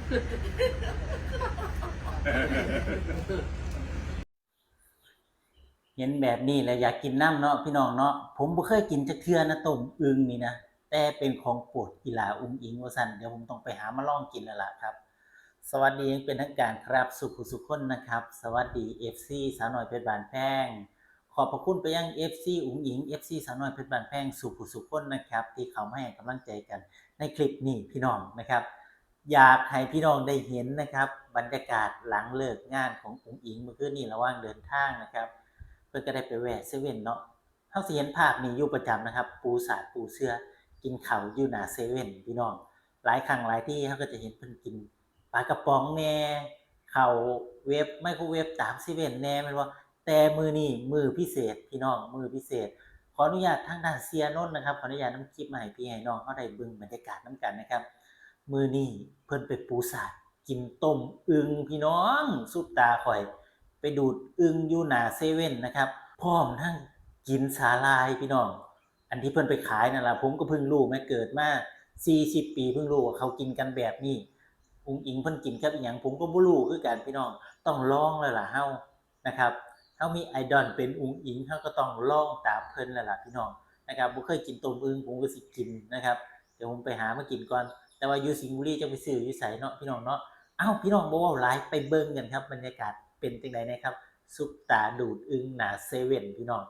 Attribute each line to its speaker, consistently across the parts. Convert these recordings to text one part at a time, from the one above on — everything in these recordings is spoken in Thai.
Speaker 1: เห็นแบบนี้แล้วอยากกินน้ำเนาะพี่น้องเนาะผมบ่เคยกินจักเทื่อนะต้มอึ่งนี่นะแต่เป็นของโปรดอีหลาอุ๋งอิ๋งว่าซั่นเดี๋ยวผมต้องไปหามาลองกินแล้วล่ะครับสวัสดีอย่างเป็นทางการครับสุขุสุขคนนะครับสวัสดี FC สาวน้อยเพชรบ้านแพงขอบพระคุณไปยัง FC อุ๋งอิ๋ง FC สาวน้อยเพชรบ้านแพงสุขุสุขคนนะครับที่เข้ามาให้กำลังใจกันในคลิปนี้พี่น้องนะครับอยากให้พี่น้องได้เห็นนะครับบรรยากาศหลังเลิกงานของอุ๋งอิ๋งเมื่อคืนนี้ระหว่างเดินทางนะครับเพิ่นก็ได้ไปแวะเซเว่นเนาะเฮาสิเห็นภาพนี้อยู่ประจำนะครับปูสาดปูเสือกินข้าวอยู่หน้าเซเว่นพี่น้องหลายครั้งหลายที่เฮาก็จะเห็นเพิ่นกินปลากระป๋องแหน่ข้าวเวฟไมโครเวฟตามเซเว่นแหน่แม่นบ่แต่มื้อนี้มื้อพิเศษพี่น้องมื้อพิเศษขออนุญาตทางด้านเสียนนท์นะครับขออนุญาตนำคลิปมาให้พี่ให้น้องเฮาได้เบิ่งบรรยากาศนำกันนะครับมื้อนี้เพิ่นไปปูสาดกินต้มอึ่งพี่น้องสุดตาข่อยไปดูดอึ่งอยู่หน้าเซเว่นนะครับพร้อมทั้งกินสาหร่ายพี่น้องอันที่เพิ่นไปขายนั่นล่ะผมก็เพิ่งรู้แม้เกิดมา40ปีเพิ่งรู้ว่าเขากินกันแบบนี้อุ๋งอิ๋งเพิ่นกินกับอิหยังผมก็บ่รู้คือกันพี่น้องต้องลองแล้วล่ะเฮานะครับเฮามีไอดอลเป็นอุ๋งอิ๋งเฮาก็ต้องลองตามเพิ่นแล้วล่ะพี่น้องนะครับบ่เคยกินต้มอึ่งผมก็สิกินนะครับเดี๋ยวผมไปหามากินก่อนแต่ว่าอยู่สิงห์บุรีจะไปซื้ออยู่ไสเนาะพี่น้องเนาะอ้าวพี่น้องบ่เว้าหลายไปเบิ่งกันครับบรรยากาศเป็นจังได๋นะครับซุปตาดูดอึ่งหน้าเซเว่นพี่น้อง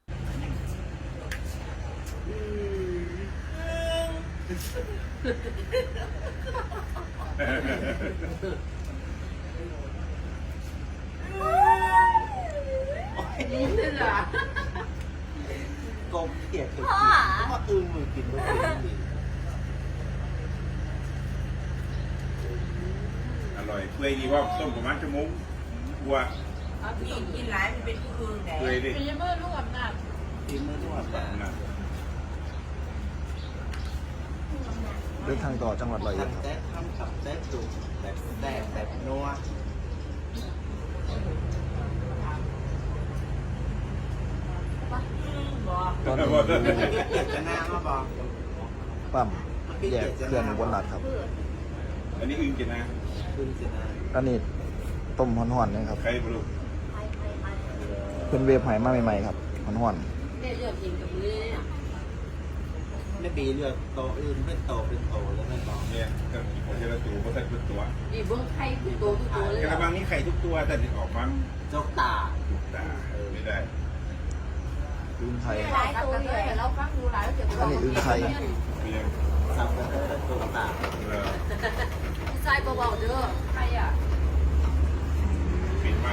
Speaker 2: นี่เลยเหรอก
Speaker 3: บเกลียดกินก็มาอึ้งมือกินด้วย
Speaker 4: อร่อยเปื่อยดีว่าต้มประมาณชั่วโมงวัว
Speaker 2: เอาพี่กินหลายมันเป็นผู้อื่นไหน
Speaker 4: เปื่อยดิ
Speaker 2: เป็นยังไงลูกอำนาจ
Speaker 3: กินเมื่อนวด
Speaker 4: แบบนั้น
Speaker 5: เดินทางต่อจังหวัดร้อยเอ็ดครับ
Speaker 3: ทำแซ่บทำกับแซ่บดุแบบแซ่บแบบนัว
Speaker 2: บอก
Speaker 5: ตอนนี้
Speaker 3: เกลียดจะหน้ามาบอก
Speaker 5: ปั๊มแยกเคลื่อนอุบลรัตน์ครับ
Speaker 4: อันนี้อึ้งกินนะ
Speaker 3: คุณสินะ
Speaker 5: อันนี้ต้มห่อนๆนะครับ
Speaker 4: ใครบลู
Speaker 5: เพิ่นเวฟไหมาใหม่ๆครับห่อน
Speaker 2: ได้เลือกกินกับมือเนี่ย
Speaker 3: ไม่ปีเลือกโตอื่นเป็นโตเป็นโตแล้วไม่บอก
Speaker 4: เนี่ยก็ผมจะตัวเพราะใส่ตัว
Speaker 2: นี่เบิ้งไข่คือโตทุกตัวเลย
Speaker 4: กระบังนี้ไข่ทุกตัวแต่ออกมา
Speaker 3: เจ้าตา
Speaker 4: ถูกตาไม่ได้
Speaker 5: อึ่งไทย
Speaker 2: หลายตัวเลยเราฟังดูหลายเกี่ยวกับ
Speaker 5: อันนี้อึ่งไทย
Speaker 4: เพียง
Speaker 3: สับกระเทยตัวตา
Speaker 2: ใส่เบาๆเด้อใครอ่ะ
Speaker 4: ปิดมาก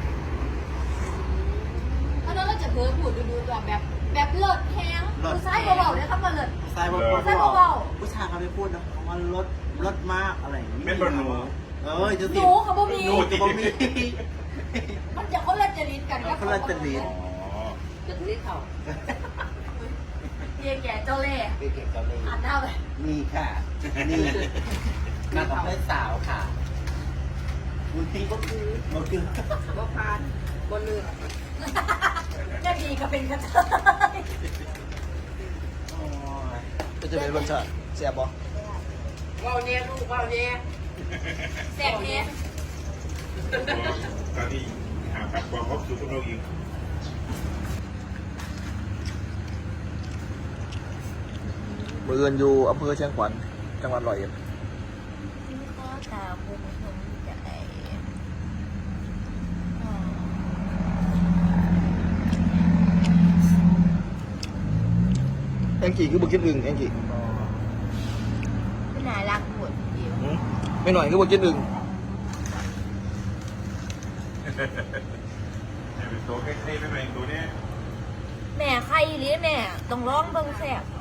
Speaker 6: เพราะนั้นเราจะเพิ่มพูดดูๆแบบเลิศแห้งผู้ชายเบาๆเนี่ยครับมาเลิศ
Speaker 3: ใส่บอกผู้ชายเขาไม่พูดนะมันลดมากอะไรอย่างนี้
Speaker 4: แม่บอลหนู
Speaker 3: จะ
Speaker 6: ห
Speaker 3: ติด
Speaker 6: นูเขาบ่มี
Speaker 3: หนูจะบ่มี
Speaker 6: มันจะคนละจริตกันครับ
Speaker 3: คนละจริต
Speaker 4: อ๋อ
Speaker 2: จะถือเขา
Speaker 6: เยี่ยแก่เจ้าเล่ห์
Speaker 3: ไปเก็บกันเลย
Speaker 6: อ่านหน้าไป
Speaker 3: นี่ค่ะนี่มากับเพื่อนสาวค่ะคุณตีก็คือก็คือ
Speaker 2: บ่พานบ่เลือก
Speaker 6: แม่บีก็เป็นกระเทย
Speaker 5: ก็จะเป็นรสชาติแซ่บบ่
Speaker 2: ว่าวเนี่ยลูกว่าวเนี่ย
Speaker 6: แสบแห้ง
Speaker 4: ตอนที่หาผักความครบสูตรของเราเอง
Speaker 5: เบือนอยู่อำเภอเชียงขวัญจังหวัดร้อยเอ็ด
Speaker 6: ก็ตาบุ้งบุ้งใจ
Speaker 5: แองกี้คือบ่กินอึ่งแองกี้
Speaker 6: ไม่น่ารักหมดเดียว
Speaker 5: ไม่หน่อยคือบ่กินอึ่ง
Speaker 4: เป็นตัวใกล้ๆไปหน่อยตัวนี้
Speaker 6: แม่ใครหรือแม่ต้องร้องเบิ่งแสบ